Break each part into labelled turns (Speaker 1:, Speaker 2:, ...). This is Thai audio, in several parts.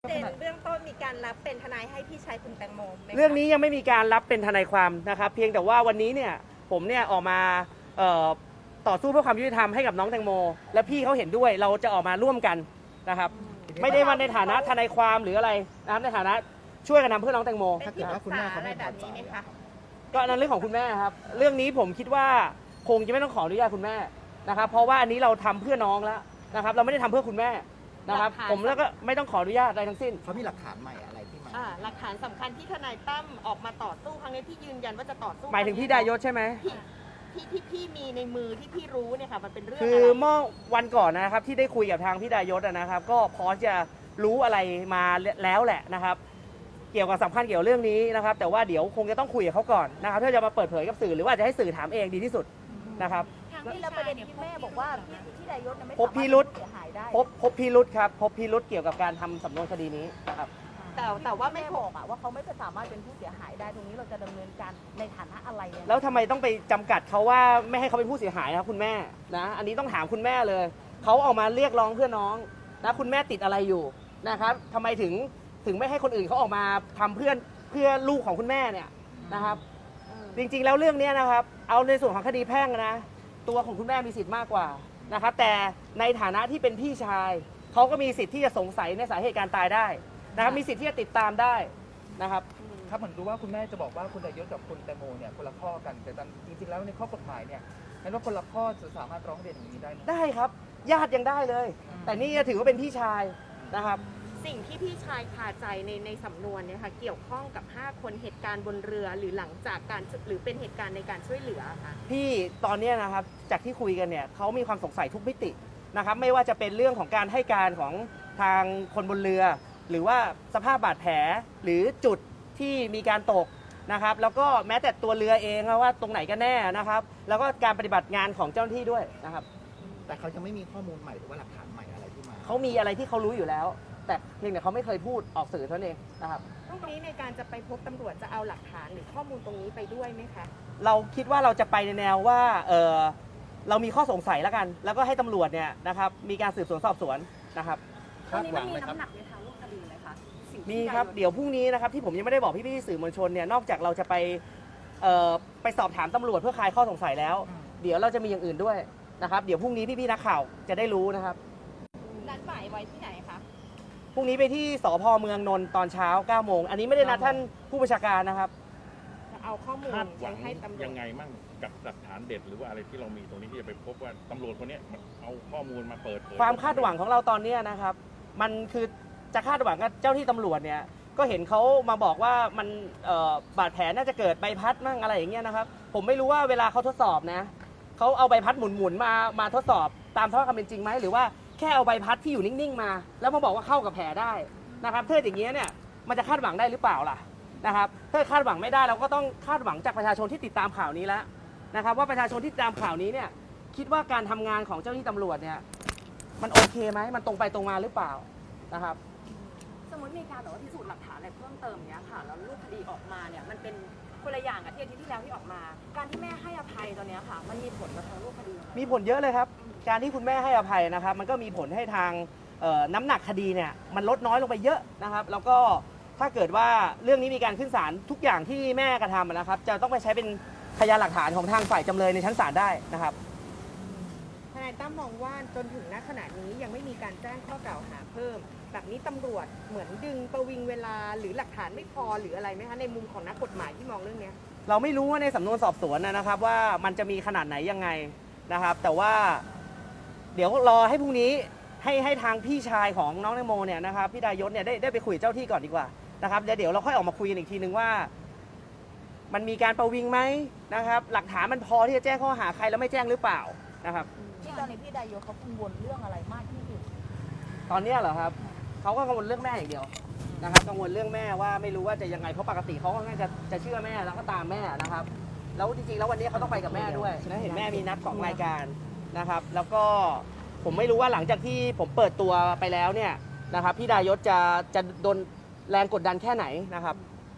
Speaker 1: เรื่องต้นมีการรับเป็นทนายให้พี่ชายคุณแตงโมไหมคะ
Speaker 2: เรื่องนี้ยังไม่มีการรับเป็นทนายความนะครับเพียงแต่ว่าวันนี้เนี่ยผมเนี่ยออกมาต่อสู้เพื่อความยุติธรรมให้กับน้องแตงโมและพี่เขาเห็นด้วยเราจะออกมาร่วมกันนะครับไม่ได้มาในฐานะทนายความหรืออะไรนะครับในฐานะช่วยกันทำเพื่อน้องแตงโม
Speaker 1: เป็นที่ปรึกษาอะไรแบบนี้ไหมคะ
Speaker 2: ก็นั่นเรื่องของคุณแม่ครับเรื่องนี้ผมคิดว่าคงจะไม่ต้องขออนุญาตคุณแม่นะครับเพราะว่าอันนี้เราทำเพื่อน้องแล้วนะครับเราไม่ได้ทำเพื่อคุณแม่นะครับผมแล้วก็ไม่ต้องขออนุญาตอะไรทั้งสิ้น
Speaker 3: เขามีหลักฐานใหม่อะไรที่มา
Speaker 1: หลักฐานสำคัญที่ทนายตั้มออกมาต่อสู้ครั้งนี้ที่ยืนยันว่าจะต่อสู้
Speaker 2: หมายถึงพี่ดายศใช่ไหม
Speaker 1: ที่พี่มีในมือที่พี่รู้เนี่ยค่ะมันเป็นเรื่อง
Speaker 2: คื
Speaker 1: อะ
Speaker 2: อ
Speaker 1: ไร
Speaker 2: เมื่อวันก่อนนะครับที่ได้คุยกับทางพี่ดายศนะครับก็พอจะรู้อะไรมาแล้วแหละนะครับเกี่ยวกับสำคัญเกี่ยวเรื่องนี้นะครับแต่ว่าเดี๋ยวคงจะต้องคุยกับเขาก่อนนะครับเพื่อจะมาเปิดเผยกับสื่อหรือว่าจะให้สื่อถามเองดีที่สุดนะครับ
Speaker 4: ที่แล้วประเด็นที่แม่บอกว่าพี่ดายศไม่
Speaker 2: พบพิรุธ
Speaker 4: เสียหายได้
Speaker 2: พบพิรุธครับพบพิรุธเกี่ยวกับการทำสำนวนคดีนี้นะครับ
Speaker 1: แต่ว่าไม่
Speaker 4: แม่
Speaker 1: พ
Speaker 4: บบ อกว่าเขาไม่สามารถเป็นผู้เสียหายได้ตรงนี้เราจะดำเนินการในฐานะอะไรเนี่ย
Speaker 2: แล้วทำไมต้องไปจำกัดเขาว่าไม่ให้เขาเป็นผู้เสียหายนะครับคุณแม่นะอันนี้ต้องถามคุณแม่เลยเขาออกมาเรียกร้องเพื่อน้องนะคุณแม่ติดอะไรอยู่นะครับทำไมถึงไม่ให้คนอื่นเขาออกมาทำเพื่อลูกของคุณแม่เนี่ยนะครับจริงๆแล้วเรื่องนี้นะครับเอาในส่วนของคดีแพ่งนะตัวของคุณแม่มีสิทธิ์มากกว่านะครับแต่ในฐานะที่เป็นพี่ชายเขาก็มีสิทธิ์ที่จะสงสัยในสาเหตุการตายได้นะครับมีสิทธิ์ที่จะติดตามได้นะครับ
Speaker 5: ครับเหมือนรู้ว่าคุณแม่จะบอกว่าคุณดายศกับคุณแตงโมเนี่ยคนละข้อกันแต่จริงๆแล้วในข้อกฎหมายเนี่ยนั้นว่าคนละข้อจะสามารถร้องเรียนอย่างนี้ได้ไหม
Speaker 2: ได้ครับญาติยังได้เลย แต่นี่ถือว่าเป็นพี่ชายนะครับ
Speaker 1: สิ่งที่พี่ชายคาใจในสำนวนเนี่ยค่ะเกี่ยวข้องกับ 5 คนเหตุการณ์บนเรือหรือหลังจากการหรือเป็นเหตุการณ์ในการช่วยเหลือค่ะ
Speaker 2: พี่ตอนเนี้ยนะครับจากที่คุยกันเนี่ยเขามีความสงสัยทุกมิตินะครับไม่ว่าจะเป็นเรื่องของการให้การของทางคนบนเรือ หรือว่าสภาพบาดแผลหรือจุดที่มีการตกนะครับแล้วก็แม้แต่ตัวเรือเองว่าตรงไหนกันแน่นะครับแล้วก็การปฏิบัติงานของเจ้าหน้าที่ด้วยนะครับ
Speaker 3: แต่เขายังไม่มีข้อมูลใหม่หรือว่าหลักฐานใหม่อะไรที่มา
Speaker 2: เขามีอะไรที่เขารู้อยู่แล้ว แต่เพียงแต่เขาไม่เคยพูดออกสื่อเท่านั้นเองนะครับ
Speaker 1: ตรงนี้ในการจะไปพบตำรวจจะเอาหลักฐานหรือข้อมูลตรงนี้ไปด้วยไหมคะ
Speaker 2: เราคิดว่าเราจะไปในแนวว่าเรามีข้อสงสัยแล้วกัน แล้วก็ให้ตำรวจเนี่ยนะครับมีการสืบสวนสอบสวนนะครับ
Speaker 3: คาดหวังไหมครับ
Speaker 2: มีครับเดี๋ยวพรุ่งนี้นะครับที่ผมยังไม่ได้บอกพี่ๆสื่อมวลชนเนี่ยนอกจากเราจะไปสอบถามตำรวจเพื่อคลายข้อสงสัยแล้ว เดี๋ยวเราจะมีอย่างอื่นด้วยนะครับเดี๋ยวพรุ่งนี้พี่ๆนักข่าวจะได้รู้นะครับ
Speaker 1: นัดหมายไว้ที่ไหนคะ
Speaker 2: พรุ่งนี้ไปที่สพเมืองนนท์ตอนเช้า9 โมงอันนี้ไม่ได้นัดท่านผู้บัญชาการนะครับ
Speaker 1: จะเอาข้อมูล
Speaker 6: คาดหวัง
Speaker 1: ให้ตำรวจ
Speaker 6: ยังไงมั่งกับหลักฐานเด็ดหรือว่าอะไรที่เรามีตรงนี้ที่จะไปพบว่าตำรวจคนเนี้ยมันเอาข้อมูลมาเปิดเผย
Speaker 2: ความคาดหวังของเราตอนนี้นะครับมันคือจะคาดหวังกับเจ้าที่ตำรวจเนี่ยก็เห็นเขามาบอกว่ามันบาดแผลน่าจะเกิดใบพัดมั่งอะไรอย่างเงี้ยนะครับผมไม่รู้ว่าเวลาเขาทดสอบนะเขาเอาใบพัดหมุนๆมาทดสอบตามความเป็นจริงไหมหรือว่าแค่เอาใบพัดที่อยู่นิ่งๆมา แล้วมาบอกว่าเข้ากับแผลได้นะครับถ้าอย่างเงี้ยเนี่ยมันจะคาดหวังได้หรือเปล่าล่ะนะครับถ้าคาดหวังไม่ได้เราก็ต้องคาดหวังจากประชาชนที่ติดตามข่าวนี้แล้วนะครับว่าประชาชนที่ติดตามข่าวนี้เนี่ยคิดว่าการทำงานของเจ้าหน้าที่ตำรวจเนี่ยมันโอเคไหมมันตรงไปตรงมาหรือเปล่านะครับ
Speaker 4: สมมติมีการแบบว่าพิสูจน์หลักฐานอะไรเพิ่มเติมเนี้ยค่ะแล้วรูปคดีออกมาเนี่ยมันเป็นคนละอย่างกับที่อาทิตย์ที่แล้วที่ออกมา การที่แม่ให้อภัยตอนเนี้ยค่ะมันมีผลกับทางรูปคดีไหม
Speaker 2: มีผลเยอะเลยครับ การที่คุณแม่ให้อภัยนะครับ มันก็มีผลให้ทางน้ำหนักคดีเนี่ยมันลดน้อยลงไปเยอะนะครับ แล้วก็ถ้าเกิดว่าเรื่องนี้มีการขึ้นศาลทุกอย่างที่แม่กระทำนะครับ จะต้องไปใช้เป็นพยานหลักฐานของทางฝ่ายจำเลยในชั้นศาลได้นะครับ
Speaker 1: ทนายตั้มมองว่าจนถึงณขณะนี้ยังไม่มีการแจ้งข้อกล่าวหาเพิ่มแบบนี้ตำรวจเหมือนดึงประวิงเวลาหรือหลักฐานไม่พอหรืออะไรไหมคะในมุมของนักกฎหมายที่มองเรื่องเนี้ย
Speaker 2: เราไม่รู้ว่าในสำนวนสอบสวนนะครับว่ามันจะมีขนาดไหนยังไงนะครับ แต่ว่าเดี๋ยวรอให้พรุ่งนี้ให้ทางพี่ชายของน้องแตงโมเนี่ยนะครับพี่ดายศเนี่ยได้ไปคุยกับเจ้าที่ก่อนดีกว่านะครับเดี๋ยวเราค่อยออกมาคุยกันอีกทีนึงว่า มันมีการประวิงไหมนะครับ หลักฐานมันพอที่จะแจ้งข้อหาใครแล้วไม่แจ้งหรือเปล่านะครับ
Speaker 4: ที่ตอนนี้พี่ดายศเขากังวลเรื่องอะไรมากที่สุด
Speaker 2: ตอนเนี้ยเหรอครับเขาก็กังวลเรื่องแม่อย่างเดียวนะครับกังวลเรื่องแม่ว่าไม่รู้ว่าจะยังไงเพราะปกติเขาก็น่าจะเชื่อแม่แล้วก็ตามแม่นะครับแล้วจริงๆแล้ววันนี้เขาต้องไปกับแม่ด้วยนะเห็นแม่มีนัด2 รายการนะครับ แล้วก็ผมไม่รู้ว่าหลังจากที่ผมเปิดตัวไปแล้วเนี่ยนะครับพี่ดายศจะโดนแรงกดดันแค่ไหนนะครับ
Speaker 4: พี่เห็นว่า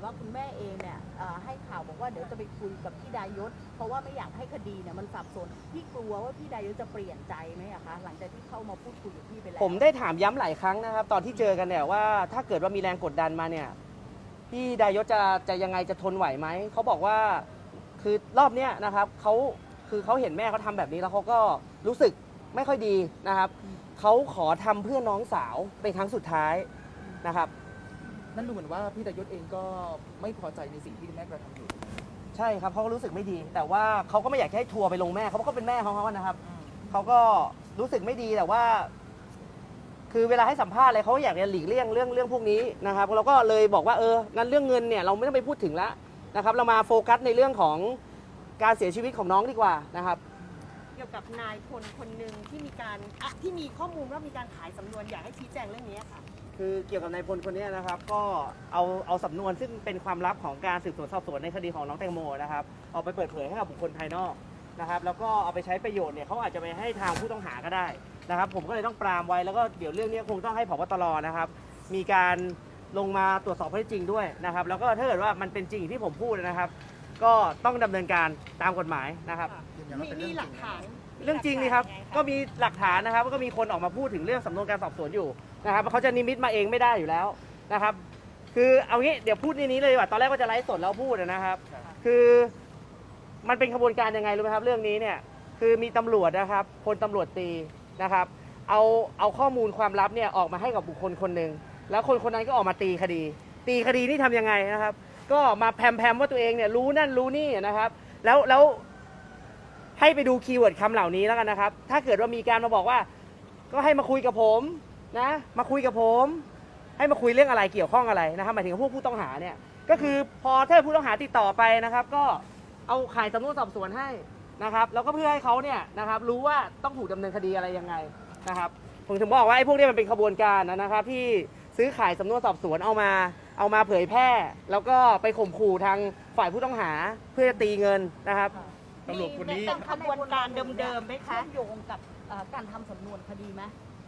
Speaker 7: ว่าคุณแม่เองเนี่ยให้ข่าวบอกว่าเดี๋ยวจะไปคุยกับพี่ดายศเพราะว่าไม่อยากให้คดีเนี่ยมันสับสนพี่กลัวว่าพี่ดายศจะเปลี่ยนใจไหมอะคะหลังจากที่เข้ามาพูดคุยกับพี่ไปแล้ว
Speaker 2: ผมได้ถามย้ำหลายครั้งนะครับ ตอนที่เจอกันเนี่ยว่าถ้าเกิดว่ามีแรงกดดันมาเนี่ยพี่ดายศจะยังไงจะทนไหวไหมเขาบอกว่าคือรอบเนี้ยนะครับเขาเห็นแม่เขาทำแบบนี้แล้วเขาก็รู้สึกไม่ค่อยดีนะครับเขาขอทำเพื่อน้องสาวเป็นครั้งสุดท้ายนะครับ
Speaker 5: นั่นดูเหมือนว่าพี่ดายศเองก็ไม่พอใจในสิ่งที่คุณแม่กระทำอยู่
Speaker 2: ใช่ครับเขาก็รู้สึกไม่ดี แต่ว่าเขาก็ไม่อยากให้ทัวร์ไปลงแม่เขาก็เป็นแม่เขานะครับเขาก็รู้สึกไม่ดีแต่ว่า คือเวลาให้สัมภาษณ์อะไรเขาอยากจะหลีกเลี่ยงเรื่องพวกนี้นะครับเราก็เลยบอกว่างั้นเรื่องเงินเนี่ยเราไม่ต้องไปพูดถึงแล้วนะครับ เรามาโฟกัสในเรื่องของการเสียชีวิตของน้องดีกว่านะครับ
Speaker 1: เกี่ยวกับนายพลคนหนึ่งที่ที่มีข้อมูลว่ามีการขายสำนวนอยากให้ชี้แจงเรื่องนี้ค่ะ
Speaker 2: คือเกี่ยวกับนายพลคนนี้นะครับก็เอาสำนวนซึ่งเป็นความลับของการสืบสวนสอบสวนในคดีของน้องแตงโมนะครับเอาไปเปิดเผยให้กับบุคคลภายนอกนะครับแล้วก็เอาไปใช้ประโยชน์เนี่ยเขาอาจจะไปให้ทางผู้ต้องหาก็ได้นะครับผมก็เลยต้องปรามไว้แล้วก็เดี๋ยวเรื่องนี้คงต้องให้ผบตรนะครับมีการลงมาตรวจสอบข้อเท็จจริงด้วยนะครับแล้วก็ถ้าเกิดว่ามันเป็นจริงอย่างที่ผมพูดนะครับ ก็ต้องดำเนินการตามกฎหมายนะครับ
Speaker 3: ยืนยันว่าเป็นเรื่อง
Speaker 1: มี
Speaker 3: จ
Speaker 1: หลั
Speaker 3: ริ
Speaker 1: ก
Speaker 3: ง
Speaker 1: ฐาน
Speaker 2: เรื่องจริงนี่ครับก็มีหลักฐานนะครับก็มีคนออกมาพูดถึงเรื่องสำนวนการสอบสวนอยู่นะครับเขาจะนิมิตมาเองไม่ได้อยู่แล้วนะครับ คือเอางี้เดี๋ยวพูดในนี้เลยดีกว่าตอนแรกก็จะไลฟ์สดแล้วพูดนะครับ คือมันเป็นขบวนการยังไงรู้ไหมครับเรื่องนี้เนี่ยคือมีตำรวจนะครับพลตำรวจตรีนะครับเอาข้อมูลความลับเนี่ยออกมาให้กับบุคคลคนหนึ่งแล้วคนคนนั้นก็ออกมาตีคดีนี่ทำยังไงนะครับ ก็มาแพมว่าตัวเองเนี่ยรู้นั่นรู้นี่นะครับแล้วให้ไปดูคีย์เวิร์ดคำเหล่านี้แล้วกันนะครับ ถ้าเกิดว่ามีการมาบอกว่าก็ให้มาคุยกับผมนะมาคุยกับผมให้มาคุยเรื่องอะไรเกี่ยวข้องอะไรนะครับหมายถึงพวกผู้ต้องหาเนี่ยก็คือพอถ้าผู้ต้องหาติดต่อไปนะครับ ก็เอาข่ายสำนวนสอบสวนให้นะครับแล้วก็เพื่อให้เขาเนี่ยนะครับรู้ว่าต้องถูกดำเนินคดีอะไรยังไงนะครับผมถึงบอกว่าไอ้พวกนี้มันเป็นขบวนการนะครับที่ซื้อขายสำนวนสอบสวนเอามาเผยแพร่แล้วก็ไปข่มขู่ทางฝ่ายผู้ต้องหาเพื่อจะตีเงินนะครับ
Speaker 6: ตำรวจคนนี้
Speaker 1: เป็นขบวนการเดิมๆไหมคะ
Speaker 7: เชื่อมโยงกับการทำสำนวนคดีไหม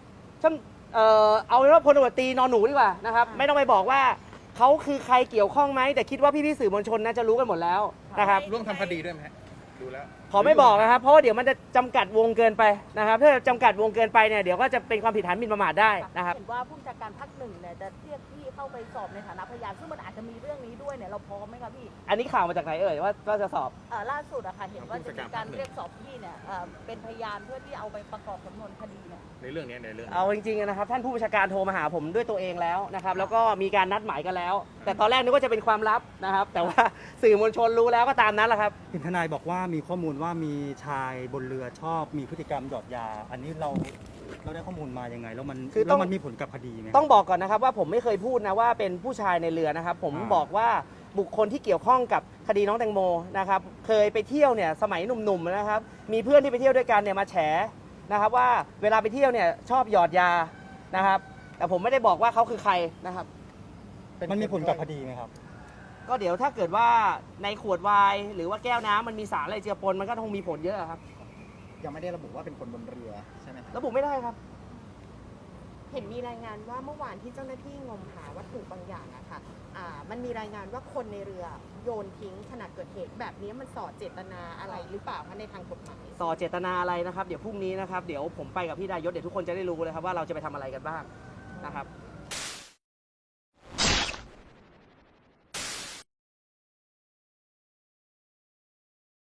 Speaker 2: เอาเป็นว่าพลตำรวจตรีนอนหนูดีกว่านะครับไม่ต้องไปบอกว่าเขาคือใครเกี่ยวข้องไหมแต่คิดว่าพี่ๆสื่อมวลชนน่าจะรู้กันหมดแล้วนะครับ
Speaker 6: ร่วมทำคดีด้วยไหมฮะดูแล้ว
Speaker 2: ขอไม่บอกนะครับเพราะว่าเดี๋ยวมันจะจำกัดวงเกินไปนะครับถ้าจำกัดวงเกินไปเนี่ยเดี๋ยวก็จะเป็นความผิดฐานหมิ่นประมาทได้นะครับ
Speaker 7: เห็นว่าผู้บัญชาการภาคหนึ่งเนี่ยจะเรียกพี่เข้าไปสอบในฐานะพยานซึ่งมันอาจจะมีเรื่องนี้ด้วยเนี่ยเราพร้อมไหมคะพี่
Speaker 2: อันนี้ข่าวมาจากไหนเอ่ยว่าจะสอบ
Speaker 7: ล่าสุดอะค่ะเห็นว่าจะมีการเรียกสอบพี่เนี่ยเป็นพยานเพื่อที่เอาไปประกอบสำนวนคดีเนี่ย
Speaker 6: ในเรื่องนี้ในเรื่อง
Speaker 2: เอาจริงๆนะครับท่านผู้บัญชาการโทรมาหาผมด้วยตัวเองแล้วนะครับแล้วก็มีการนัดหมายกันแล้ว แต่ตอนแรกนึกว่าจะเป็นความลับนะครับ แต่ว่าสื่อมวลชนรู้แล้วก็ตามนั้นแหละครับ
Speaker 8: เห็นทนายบอกว่ามีข้อมูลว่ามีชายบนเรือชอบมีพฤติกรรมหยอดยา อันนี้เราได้ข้อมูลมายังไงแล้วมัน
Speaker 2: คือต้อง
Speaker 8: แล้วมันมีผลกับคดีไหม
Speaker 2: ต้องบอกก่อนนะครับว่าผมไม่เคยพูดนะว่าเป็นผู้ชายในเรือนะครับ ผมบอกว่าบุคคลที่เกี่ยวข้องกับคดีน้องแตงโมนะครับเคยไปเที่ยวเนี่ยสมัยหนุ่มๆนะครับมีเพื่อนที่ไปเที่ยวด้วยกันเนี่ยมาแฉนะครับว่าเวลาไปเที่ยวเนี่ยชอบหยอดยานะครับแต่ผมไม่ได้บอกว่าเขาคือใครนะครับ
Speaker 8: มันมีผลกับคดีไหมครับ
Speaker 2: ก็เดี๋ยวถ้าเกิดว่าในขวดไวน์หรือว่าแก้วน้ำมันมีสารอะไรเจือปนมันก็คงมีผลเยอะครับ
Speaker 3: ยังไม่ได้ระบุว่าเป็นคนบนเรือใช่ไหมครับ
Speaker 2: ระบุไม่ได้ครับ
Speaker 1: เห็นมีรายงานว่าเมื่อวานที่เจ้าหน้าที่งมหาวัตถุบางอย่างอะค่ะมันมีรายงานว่าคนในเรือโยนทิ้งขณะเกิดเหตุแบบนี้มันส่อเจตนาอะไรหรือเปล่าคะในทางกฎหมาย
Speaker 2: ส่อเจตนาอะไรนะครับเดี๋ยวพรุ่งนี้นะครับเดี๋ยวผมไปกับพี่ดายศเดี๋ยวทุกคนจะได้รู้เลยครับว่าเราจะไปทำอะไรกันบ้างนะครับ